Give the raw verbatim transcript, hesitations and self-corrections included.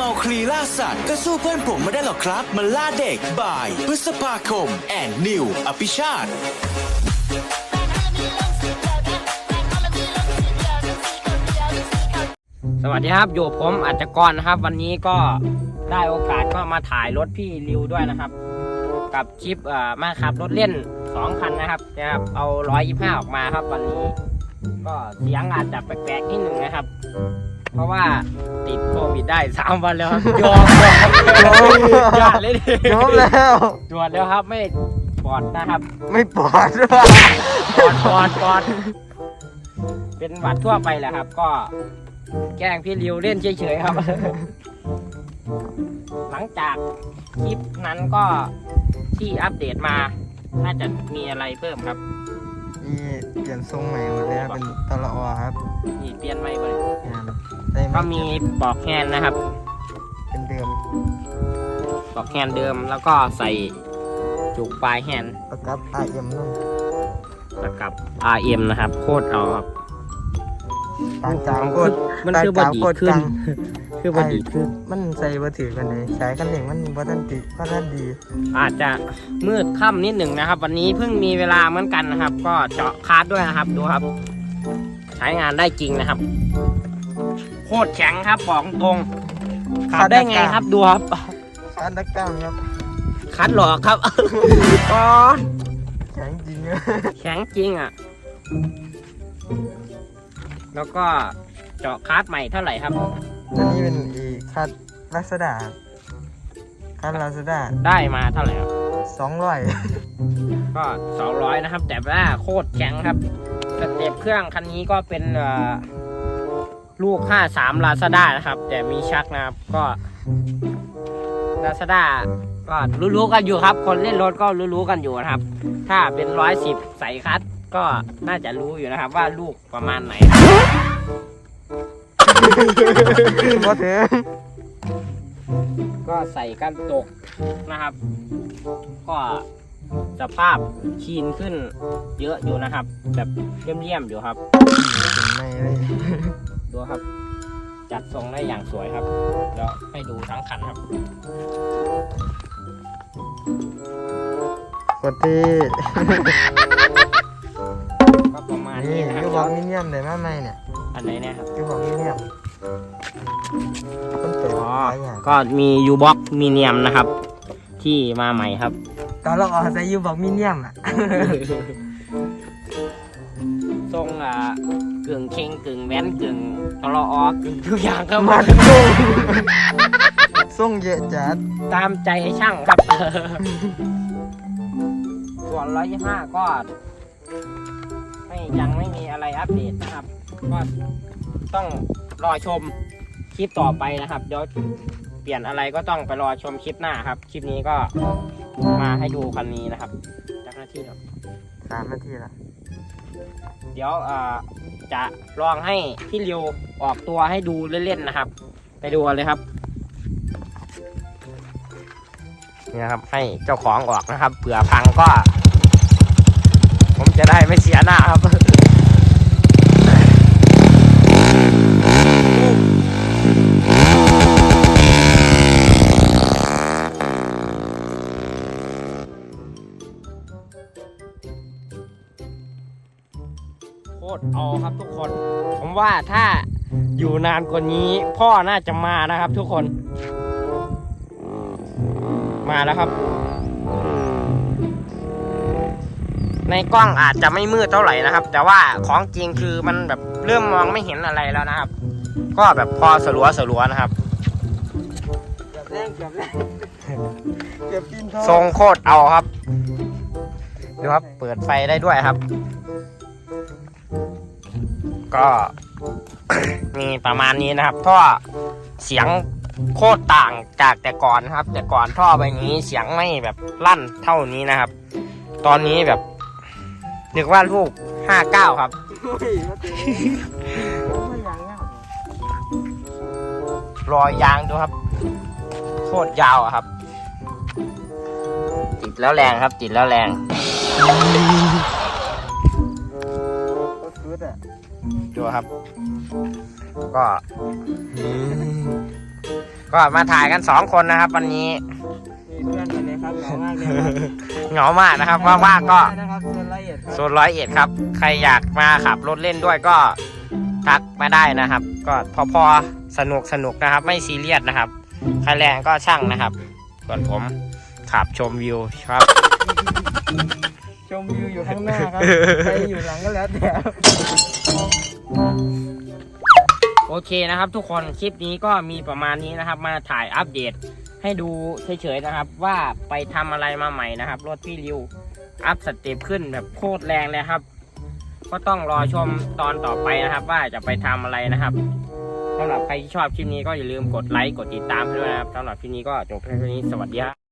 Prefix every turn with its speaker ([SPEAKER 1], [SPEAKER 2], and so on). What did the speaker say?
[SPEAKER 1] มาคลีล่าสัตว์ก็สู้เพื่อนผมไม่ได้หรอกครับมันล่าเด็กบ่ายพฤษภาคมแอนนิวอภิชาติ
[SPEAKER 2] สวัสดีครับอยู่ผมอัจฉกรนะครับวันนี้ก็ได้โอกาสก็มาถ่ายรถพี่ริวด้วยนะครับกับคลิปอ่ามาขับรถเล่นสองคันนะครับนะครับเอาหนึ่งร้อยยี่สิบห้าออกมาครับวันนี้ก็เสียงอาจจะแปลกๆนิดหนึ่งนะครับเพราะว่าติดโควิดได้สามวันแล้วครับยอมยอมเลยดิ
[SPEAKER 3] ยอมแล้ว
[SPEAKER 2] ตรวจแล้วครับไม่ปลอดนะครับ
[SPEAKER 3] ไม่ปลอดด้วย
[SPEAKER 2] ปลอดปลอดปลอดเป็นหวัดทั่วไปแหละครับก็แกล้งพี่ริวเล่นเฉยๆครับ หลังจากคลิปนั้นก็ที่อัปเดตมาน่าจะมีอะไรเพิ่มครับ
[SPEAKER 3] นี่เปลี่ยนทรงใหม่หมดเลยครับเป็นตลอครับ
[SPEAKER 2] นี่เปลี่ยนไม่เลย
[SPEAKER 3] งานได้
[SPEAKER 2] ก็มีปลอกแฮนด์นะครับ
[SPEAKER 3] เป็นเดิม
[SPEAKER 2] ปลอกแฮนด์เดิมแล้วก็ใส่จุกปลายแฮนด์
[SPEAKER 3] ประกับ อาร์ เอ็ม นู่น
[SPEAKER 2] แล้วกับ อาร์ เอ็ม นะครับโคตรเอาครับ
[SPEAKER 3] ปานกลางโคตร
[SPEAKER 2] มัน
[SPEAKER 3] ปาน
[SPEAKER 2] คือก บ
[SPEAKER 3] ลาง
[SPEAKER 2] ดี
[SPEAKER 3] โคตร
[SPEAKER 2] ขึ้
[SPEAKER 3] ก
[SPEAKER 2] น
[SPEAKER 3] ลาง
[SPEAKER 2] คือบดีขึ้น
[SPEAKER 3] มันใส่บ่ถือกันเลยใช้กันเองมันบ่ทันติบ่ทันดี
[SPEAKER 2] อาจจะมืดค่ำนิดหนึ่งนะครับ วันนี้เพิ่งมีเวลาเหมือนกันนะครับ ก็เจาะคาร์ดด้วยนะครับดูครับ ใช้งานได้จริงนะครับโคตรแข็งครับบอกตรงขับได้ไงครับดูครับ
[SPEAKER 3] คาดนักกล้ามครับ
[SPEAKER 2] คัดหลอกครับก้อน
[SPEAKER 3] แข็งจริง
[SPEAKER 2] แข็งจริงอ่ะแล้วก็เจาะคาร์ดใหม่เท่าไหร่ครับ
[SPEAKER 3] อันนี้เป็นอีคาดลักษณะคาดลาซาด้า
[SPEAKER 2] ได้มาเท่าไหร่ครับ
[SPEAKER 3] สองร้อย
[SPEAKER 2] ก็สองร้อยนะครับ แต่ว่าโคตรแข็งครับสเต็ปเครื่องคันนี้ก็เป็นเอ่อลูกห้าสาม Lazada นะครับ แต่มีชักนะครับก็ Lazada ก็รู้ๆกันอยู่ครับ คนเล่นรถก็รู้ๆกันอยู่นะครับ ถ้าเป็นร้อยสิบใส่คัดก็น่าจะรู้อยู่นะครับ ว่าลูกประมาณไหนครับ
[SPEAKER 3] บ่ถึง
[SPEAKER 2] ก็ใส่กันตกนะครับ ก็สภาพคีนขึ้นเยอะอยู่นะครับ แบบเลี่ยมๆอยู่ครับ
[SPEAKER 3] ถึงไม่เลย
[SPEAKER 2] ดูครับ จัดทรงได้อย่างสวยครับเดี๋ยวให้ดูทั้งคันครับ
[SPEAKER 3] กดที่
[SPEAKER 2] ก็ประมาณ
[SPEAKER 3] นี่
[SPEAKER 2] นี้นะครั
[SPEAKER 3] ยู
[SPEAKER 2] บ
[SPEAKER 3] บอกมิเนียมได้มาไหมเนี่ย
[SPEAKER 2] อันไหนเนี่ยครับ
[SPEAKER 3] ยูบอกมิเนียมต้นเต๋อ
[SPEAKER 2] อ๋อ
[SPEAKER 3] หลายอย่าง
[SPEAKER 2] ก็มียูบ็อกมีเนียมนะครับ ที่มาใหม่ครับ
[SPEAKER 3] ตอนเราออกใส่ยูบอกมิเนียมอ่ะ
[SPEAKER 2] ทรงอ่ะกึ่งเค็งกึ่งแว้นกึ่งตลออกึ่งทุกอย่างครับ
[SPEAKER 3] มันส่งส่งเยอะจัด
[SPEAKER 2] ตามใจช่างครับ ส่วนร้อยยี่ห้าก็ไม่ยังไม่มีอะไรอัปเดตนะครับ ก็ต้องรอชมคลิปต่อไปนะครับ เดี๋ยวเปลี่ยนอะไรก็ต้องไปรอชมคลิปหน้าครับ คลิปนี้ก็มาให้ดูคันนี้นะครับจากหน้าที่ครับ
[SPEAKER 3] สามนาทีละ
[SPEAKER 2] เดี๋ยวเอ่อจะลองให้พี่ริวออกตัวให้ดูเล่นๆนะครับ ไปดูกันเลยครับนี่นะครับให้เจ้าของออกนะครับเผื่อพังก็ ผมจะได้ไม่เสียหน้าครับโคตรเอาครับทุกคน ผมว่าถ้าอยู่นานกว่านี้พ่อน่าจะมานะครับทุกคนมาแล้วครับในกล้องอาจจะไม่มืดเท่าไหร่นะครับ แต่ว่าของจริงคือมันแบบเริ่มมองไม่เห็นอะไรแล้วนะครับ ก็แบบพอสลัวสลัวนะครับ
[SPEAKER 3] เกือบแรงเกือบแรงเกือบกินท้อง
[SPEAKER 2] ทรงโคตรเอาครับดูครับเปิดไฟได้ด้วยครับ ก็ มีประมาณนี้นะครับท่อเสียงโคตรต่างจากแต่ก่อนครับ แต่ก่อนท่อใบนี้เสียงไม่แบบลั่นเท่านี้นะครับ ตอนนี้แบบนึกว่าลูกห้าเก้าครับ
[SPEAKER 3] โอ้ยมาเตะไม่ยังอ่ะ
[SPEAKER 2] รอยยางดูครับโคตรยาวอะครับ ติดแล้วแรงครับ ติดแล้วแรง
[SPEAKER 3] ก็สุดอ่ะ
[SPEAKER 2] ดูครับ ก็ก็ก็มาถ่ายกันสองคนนะครับ วันนี้
[SPEAKER 3] มีเพื่อนอยู่เลยครับเหงามากเลยครับ
[SPEAKER 2] เหงามากนะครับว่างๆก็
[SPEAKER 3] นะครับโซนละเอียดครับ
[SPEAKER 2] โซนร้อยเอ็ดครับ ใครอยากมาขับรถเล่นด้วยก็ทักมาได้นะครับ ก็พอพอสนุกสนุกนะครับ ไม่ซีเรียสนะครับค่าแรงก็ช่างนะครับ ส่วนผมขับชมวิวครับ
[SPEAKER 3] ชมวิวอยู่ข้างหน้าครับใครอยู่หลังก็แล้วแต่
[SPEAKER 2] โอเคนะครับ ทุกคนคลิปนี้ก็มีประมาณนี้นะครับ มาถ่ายอัปเดตให้ดูเฉยๆนะครับ ว่าไปทำอะไรมาใหม่นะครับ รถพี่ริวอัพสเต็ปขึ้นแบบโคตรแรงเลยครับ ก็ต้องรอชมตอนต่อไปนะครับ ว่าจะไปทำอะไรนะครับสำหรับใครที่ชอบคลิปนี้ก็อย่าลืมกดไลค์กดติดตามให้ด้วยนะครับสำหรับคลิปนี้ก็จบเพียงเท่านี้สวัสดีครับ